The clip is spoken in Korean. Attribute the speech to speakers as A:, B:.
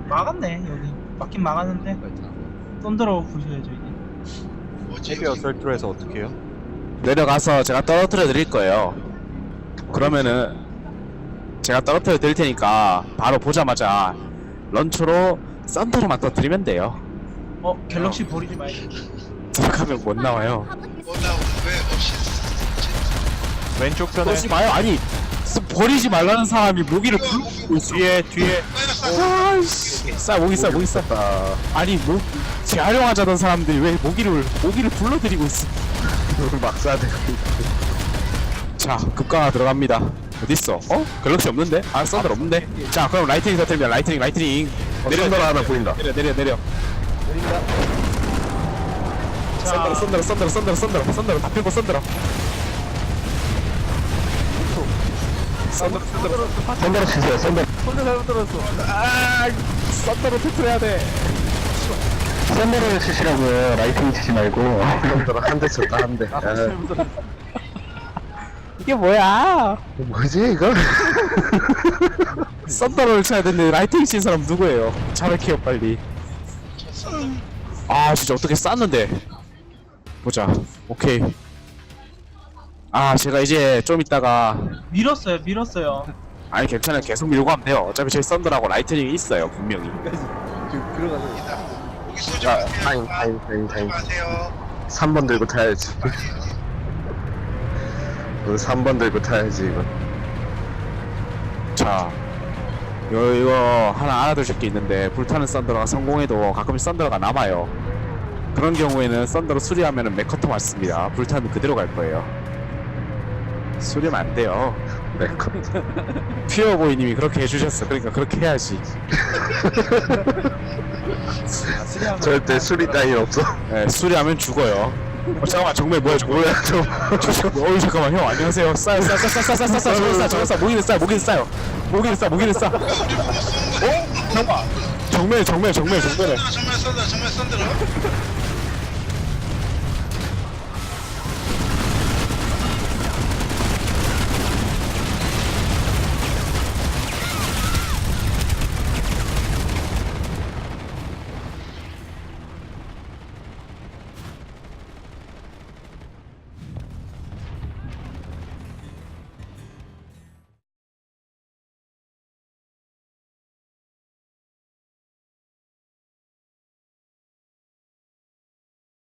A: 막았네 여기. 막긴 막았는데 썬더로 부셔야죠 이제.
B: 헤비어 설트에서 어떻게 해요?
C: 내려가서 제가 떨어뜨려 드릴 거예요. 그러면은 제가 떨어뜨려 드릴 테니까 바로 보자마자 런처로 썬더로만 터뜨리면 돼요.
A: 갤럭시 버리지 말고.
C: 생각하면 못 나와요.
D: 왜 없이
B: 왼쪽 편에
C: 그러지 마요. 아니 버리지 말라는 사람이 모기를 불고 있어.
B: 뒤에
C: 아이씨, 모기 싸. 아니 재활용하자던 사람들이 왜 모기를 불러들이고 있어.
E: 막 쏴대고.
C: 자, 급강화 들어갑니다. 어딨어? 갤럭시 없는데? 썬더 없는데? 자, 그럼 라이트닝 터뜨립니다. 라이트닝.
E: 썬더로 하나 보인다.
C: 내려. 썬더로 다 펴고 썬더로.
E: 썬더로 치세요. 썬더로.
C: 썬더로 터뜨려야 돼.
E: 썬더로 치시라고요. 라이팅 치지 말고. 썬더로 한 대 쳤다 한 대.
C: 이게 뭐야?
E: 뭐지 이거?
C: 썬더를 쳐야 되는데 라이트닝 친 사람 누구예요? 잘할게요 빨리. 아 진짜 어떻게 쌌는데. 보자. 오케이. 제가 이제 좀 이따가
A: 밀었어요.
C: 아니 괜찮아요. 계속 밀고 하면 돼요. 어차피 저희 썬더라고 라이트닝이 있어요 분명히.
D: 고기 쏘지
E: 자,
D: 마세요.
E: 타임.
D: 마세요.
E: 3번 들고 타야지. 이거 3번 들고 타야지 이거.
C: 자, 이거 하나 알아두실 게 있는데 불타는 썬더가 성공해도 가끔 썬더가 남아요. 그런 경우에는 썬더로 수리하면은 맥커터 맞습니다. 불타면 그대로 갈 거예요. 수리하면 안 돼요.
E: 메커.
C: 퓨어보이님이 그렇게 해주셨어. 그러니까 그렇게 해야지.
E: 절대 수리 따위 없어.
C: 네, 수리하면 죽어요. 잠깐만 정말 뭐야 저거. 잠깐만 형 안녕하세요. 싸요. 저거 싸. 모기는 싸요. 모기는 싸. 잠깐만. 정말.
D: 정말 쏜다.